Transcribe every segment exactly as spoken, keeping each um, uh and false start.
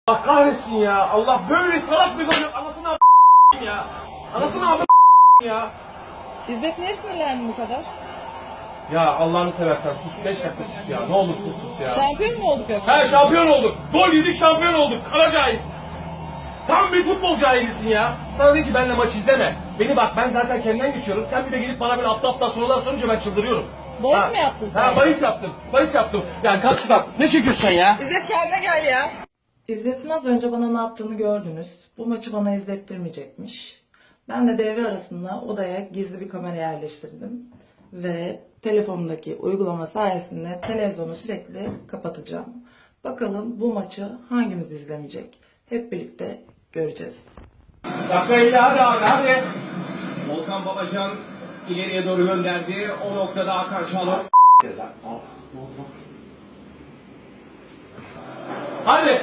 Allah kahretsin ya. Allah böyle salak bir yok. Anasını a** ya. Anasını a** ya. İzzet niye sinirlendin bu kadar? Ya Allah'ını seversen sus. Beş dakika sus ya. Ne olursun sus ya. Şampiyon mu olduk yoksa? He şampiyon olduk. Gol yedik şampiyon olduk. Kara cahil. Tam bir futbol cahilisin ya. Sana de ki benimle maç izleme. Beni bak ben zaten kendimden geçiyorum. Sen bir de gelip bana böyle aptal aptal sorular sorunca ben çıldırıyorum. Bahis Ha. mi yaptın sen? Ha bahis yaptım. Bahis yaptım. Ya kalk şuradan. Ne çekiyorsun sen ya? İzzet kendine gel ya. İzzet'in az önce bana ne yaptığını gördünüz. Bu maçı bana izlettirmeyecekmiş. Ben de devre arasında odaya gizli bir kamera yerleştirdim. Ve telefonumdaki uygulama sayesinde televizyonu sürekli kapatacağım. Bakalım bu maçı hangimiz izlemeyecek? Hep birlikte göreceğiz. Dakika elli hadi abi hadi. Volkan Babacan ileriye doğru gönderdi. O noktada Hakan Çalhanoğlu. Hadi.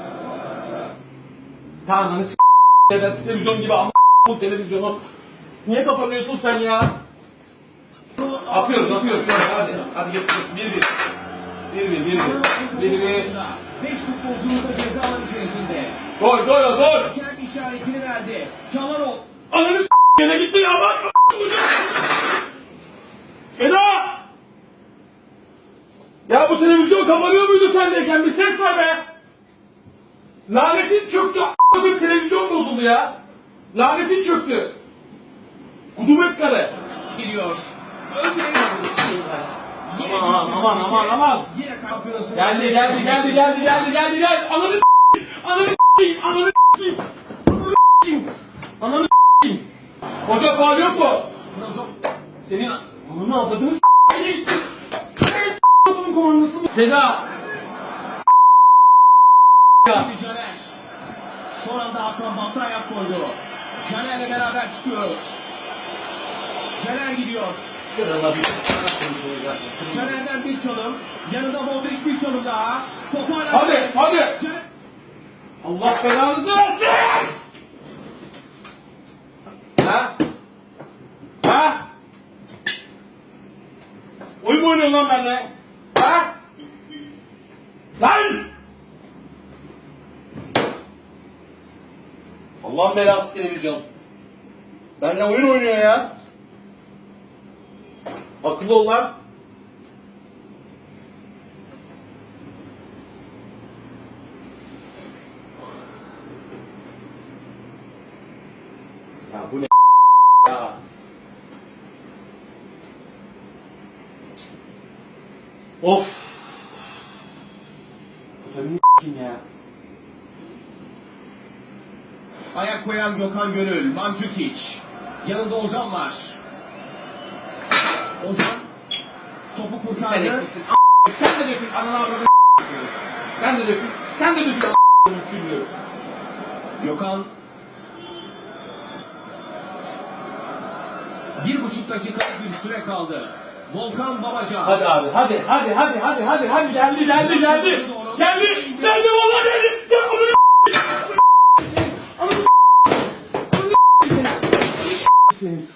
Tanrı'nı s*** ya televizyon gibi ama bu televizyonu. Niye kapanıyorsun sen ya? Atıyoruz atıyoruz. Hadi hadi geçiyoruz. Bir bir. Bir bir bir bir. Bir bir. Beş futbolcumuz da ceza alanı içerisinde. Gol gol gol. Hakem işaretini verdi. Çalhanoğlu. Ananı s*** yine gitti ya bak. Seda! Ya bu televizyon kapanıyor muydu sendeyken? Bir ses ver be! Lanetin çöktü. A**ladım televizyon bozuldu ya. Lanetin çöktü. Kudumet kare. Gidiyor. Öldüremiyoruz. Aman aman aman aman. Yine kampiyonası. Geldi geldi geldi geldi geldi geldi geldi. Ananı s***yim. Ananı s***yim. Ananı s***yim. Ananı s***yim. Ananı s***yim. Hoca faul yok mu? Senin ananı avladığını s***ye gitti. Adamın komandası mı? Seda. Şimdi Caner. Son anda Hakan Batı ayak koydu. Caner'le beraber çıkıyoruz. Caner gidiyor. Caner'den bir çalım. Yanında Modric bir çalım daha. Topu hala... Hadi hadi. Caner... Allah belanızı versin. Ha? Ha? Oyun mu oynuyorsun lan benimle? Ha? Lan! Allah'ın belası televizyon. Benimle oyun oynuyor ya. Akıllı ol lan. Ya bu ne ya? Of. Bu tabii ne kim ya? Ayak koyan Gökhan Gönül, Mandzukic. Yanında Ozan var. Ozan topu Sen kurtardı. eksiksin. A**. Sen de dökün. Ananı avradını Sen de dökün. Sen de dökün. A**'ın küllü. Gökhan bir buçuk dakika bir süre kaldı. Volkan Babacan. Hadi abi hadi hadi hadi hadi hadi hadi geldi geldi geldi. Geldi geldi vallahi geldi. Gel onu Ananı senin.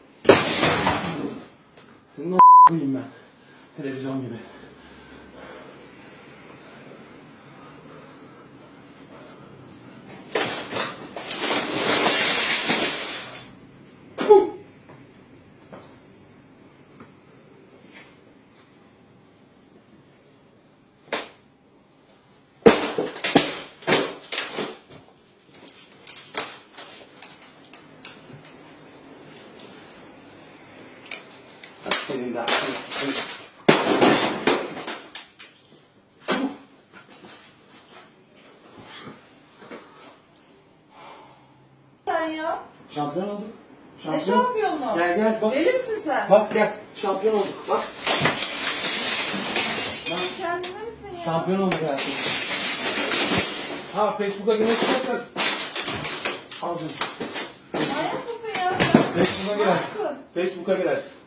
Senin o koyayım ben. Televizyon gibi. Senin de aklını sıkıntı. Sen ya. Şampiyon olduk. Ne şampiyonu? Gel gel bak. Deli misin sen? Bak gel. Şampiyon olduk. Bak. Kendine misin ya? Şampiyon olduk hayatım. Ha Facebook'a girmek istersen. Al canım. Manyak mısın ya sen? Facebook'a girersin. Nasılsın? Facebook'a girersin.